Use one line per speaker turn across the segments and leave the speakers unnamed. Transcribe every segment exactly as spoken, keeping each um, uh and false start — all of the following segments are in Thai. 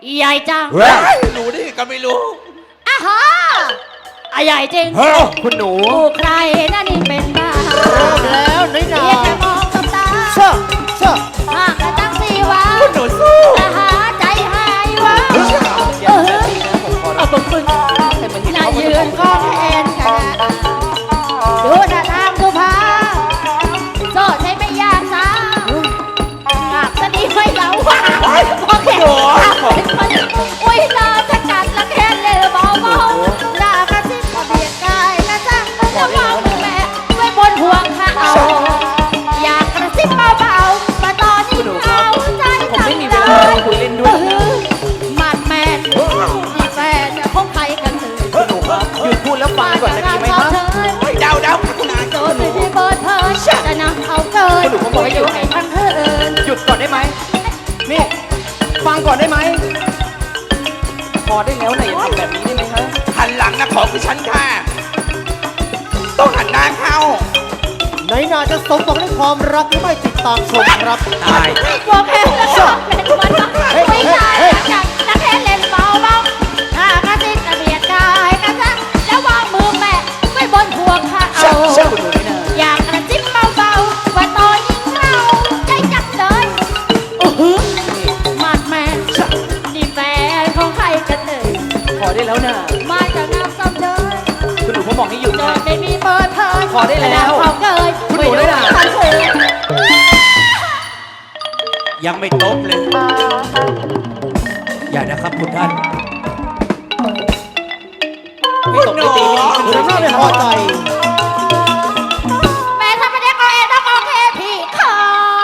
ใหญ่จัง
รู้ดิก็ไม่รู้
อ้าฮะอ่ะใหญ่จริง
คุณหนู
กูใครนั่นนี่เป็นบ้า
เริ่มแล้วน้อยหนา
เรียกแต่มองกับตา
เชื่อเชื่อ
หากกระตั้งสีวะ
คุณหนูสู้
แต่หาใจหายวะ
อย่าแบบนี้นะผมขอ
เอา
รับ
บึ้งบึ้ง
ให้มันเห็น
น่า
เขา
ยืนก็เอ็นกันดูท่าทางดูพาโซ่ใช้ไม่ยากจ้าหากจะดีไม่เหลาว่าโอเคอุ้ยตาจะกัดละแค่เลยเบาเบาลากระซิบเบียดกายนะจ๊ะแล้วมองแม่ไว้บนห่วงข้าเอาอยากกระซิบเบาๆมาตอนนี้เขาใจ
ผม
จัง
ไม่มีเว
เล
ลาย คุยเล่นด้วย
มันแมนมีแฟนของใครกันเถอะ
คุณหนูครับหยุดพูดแล้วฟังก่อนจะดีไหมครับ
เฮ้ยเดาเดาคุณนาย
โดนที่เบิร์ดเพิร์จะนำเอาเกินอยู่ให้ทั้งเฮิน
หยุดก่อนได้ไหมนี่ฟังก่อนได้ไหมพอได้แล้วนะอย่าทำแบบนี้ได้ไหมฮะ
หันหลังนะของคือฉันค่ะ ต้องหันหน้าเข้า
ไหนนาจะสมหวังในความรักหรือไม่ติดตามชมครับ
ตาย
บอกแค่แล้วเป็นวันต้องไม่ได้จากนักแค่เล่นเบาเบาถ้ากระซิบกระเบียดกายกันซะแล้ววางมือแม่ไว้บนห่วงข้าเอา
เชื่อคุณหนูไม่นาน
อยากกระซิบเบาๆว่าตอนยิงเราใจจับเลยโอ้โหมาดแมนนี่แฟนของใครกันเอ่ย
พอได้แล้วนะ
มาจากน้ำซ้ำเลย
คุณหนูผมบอกให้หยุด
โด
นะ
ยไม่มีเปิดเผย
พอได้แล้ว
ขอเกย
คุณหนูได้ล่ะ
ทันคืน
ยังไม่ตบเลย อย่านะครับคุณท่าน
ไม่ตกไม่ตีไม่ดี
หรือถ้าไม่พอใจ
แม่ทำไม่ได้ก็เองต้องโอเคพี่ขอ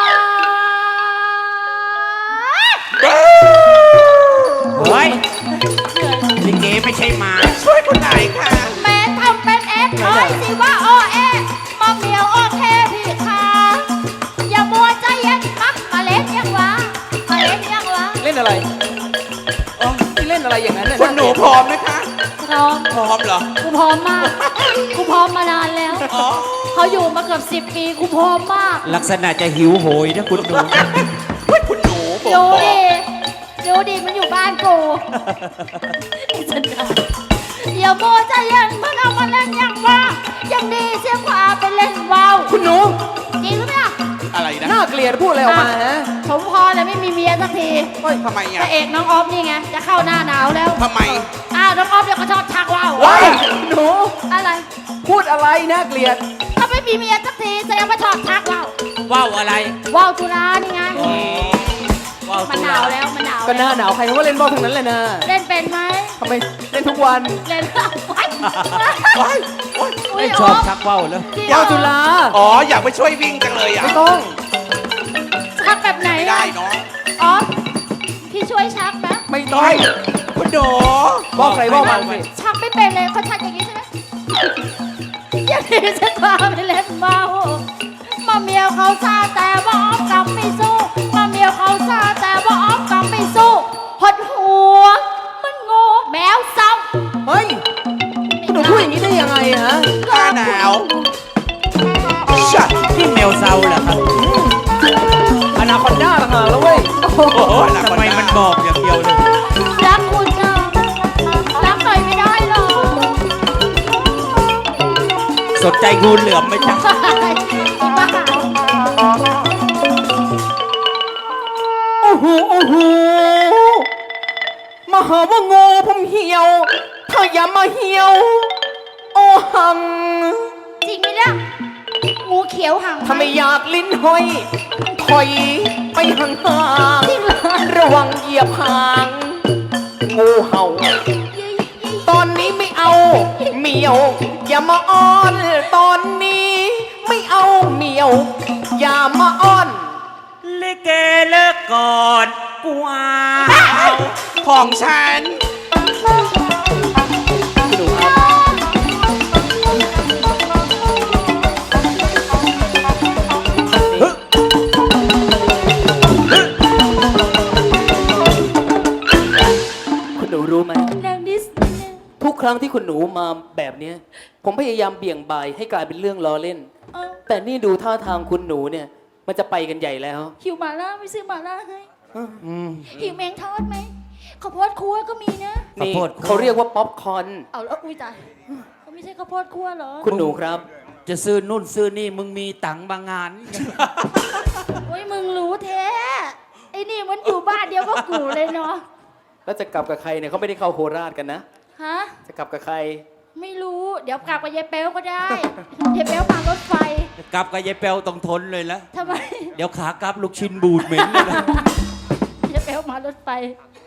เฮ้ยลิเกไม่ใช่หมา
ช่วยคุณนายค่ะ
แม่ทำเป็นเอฟคอยสิว่าโอเอมาเมียวโอเคพี่ขาอย่ามัวใจเย็นมักมาเล่นยังวะมาเล่นยังวะ
เล่นอะไรอ๋อที่เล่นอะไรอย่างนั้นน่ะ
คุณหนูพร้อมไหมคะ
พร้อม
พร้อมเหรอ
กูพร้อมมากกูพร้อมมานานแล้ว
อ๋อ
เขาอยู่มาเกือบสิบปีกูพร้อมมาก
ลักษณะจะหิวโหยนะคุณหนู
เฮ้ยคุณหนูผม
ดู
บอก
ดิดูดิมันอยู่บ้านกูฉันได้อย่ามัวใจเย็นมันเอามาเล่นยังวะยังดีเสียกว่าไปเล่นว่าว
คุณหนู
จริงหรือเปล่า
อะไรนะ
น่าเกลียดพูดอะไรออกมาฮะ
ผมพอเลยไม่มีเมียสักที
เฮ้ยทำไม
พ
อ่ะ
ระเอกน้องออฟนี่ไงจะเข้าหน้าหนาวแล้ว
ทำไม
อ้าวน้องออฟเดี๋ยวก็ชอบชักว่าว
ว้ายหนู
อะไร
พูดอะไรน่าเกลียด
ถ้าไม่มีเมียสักทีแสดงว่าชอบชักว่าว
ว่าวอะไร
ว่าวจุฬานี่ไง
ว่าว
มัน
ตุ
ห
ลา
นาวแล้วมันหนาว
ก็หน้า
แล้ว
หนาวใครเขาก็เล่นบอลทั้งนั้นเลยนะ
เล่นเป็นไหม
ทำไมเล่นทุกวัน
เล่นไว้
ว้ายโอ๊ย
อุ๊ย
ไม่ชอบชักว่าวแล้ว
จริง
ยาวจุฬา
อ๋อ อยากไปช่วยวิ่งจังเลยอ่ะ
ไม่ต้อง
ชักแบบไหน
ไม่
อะ
ได้เนาะ
ออฟพี่ช่วยชักไหม
ไม่ต้อง
เฮ้ยคุณหนู
บอกใครบอกมันสิ
ชักไม่เป็นเลยเขาชักอย่างนี้ใช่ไหมอย่างนี้ฉันพาไปเล่นเมามาเมียวเขาซาแต่ว่าออฟกลับไม่สู้มาเมียวเขาซาแต่ว่าออฟกลับไม่สู้หดหัว มันโง่แมวเศร้า
เฮ้ยคุณหนูพูดอย่างนี้ได้ยังไงฮะ
หน้าหนาวชัด
ที่แมวเซาเหรอครับ
อนาคอนด้าต่างหากแล้วเว้ย
โอ้โหหนัก
ทำ
กว่า
ไมมันบอกอย่างเดียวเลย
รักคุณนะรักหน่อยไม่ได้หรอ
สนใจงูเหลือมไหมจ๊ะ
อีบ้า
โอ้โหโอ้โหมาหาว่างูผมเหี่ยว ถ้าอย่ามาเหี่ยว โอ้หัง
จริงไหมเนี่ยงูเขียวหาง
ถ้าไม่อยากลิ้นห้อยถอยไปห่างห่าง
จริงเหรอ
ๆระวังเหยียบหาง งูเห่า ตอนนี้ไม่เอาเหมียว อย่ามาอ้อน ตอนนี้ไม่เอาเหมียว อย่ามาอ้อน
ลิเกเลิกก่อนกูเอา
ของฉัน
คุณหนูรู้ไหม
แรงดิส
ทุกครั้งที่คุณหนูมาแบบเนี้ยผมพยายามเบี่ยงบายให้กลายเป็นเรื่องล้อเล่น
เออ
แต่นี่ดูท่าทางคุณหนูเนี่ย มันจะไปกันใหญ่แล้ว
หิวหมาล่าไม่ซื้อหมาล่าให้หิวแมงทอดไหมข้าวโพดคั่วก็มีนะ
นี่เขาเรียกว่าป๊อปคอร์น
เอาแล้วอุ้ยตายเขาไม่ใช่ข้าวโพดคั่วเหรอ
คุณหนูครับ
จะซื้อนู่นซื้อนี่มึงมีตังค์บางงาน
โอ้ยมึงรู้แท้ไอ้นี่มันอยู่บ้านเดียวก็กูเลยเนาะ
แล้วจะกลับกับใครเนี่ยเขาไม่ได้เข้าโคราชกันนะ
ฮะ
จะกลับกับใคร
ไม่รู้เดี๋ยวกลับกับยายเป๊วก็ได้ยายเป๊วมารถไฟ
กลับกับยายเปลต้องทนเลยละ
ทำไม
เดี๋ยวขากลับลูกชิ้นบูดเหม็นเลยนะ
ยายเป๊วมารถไฟ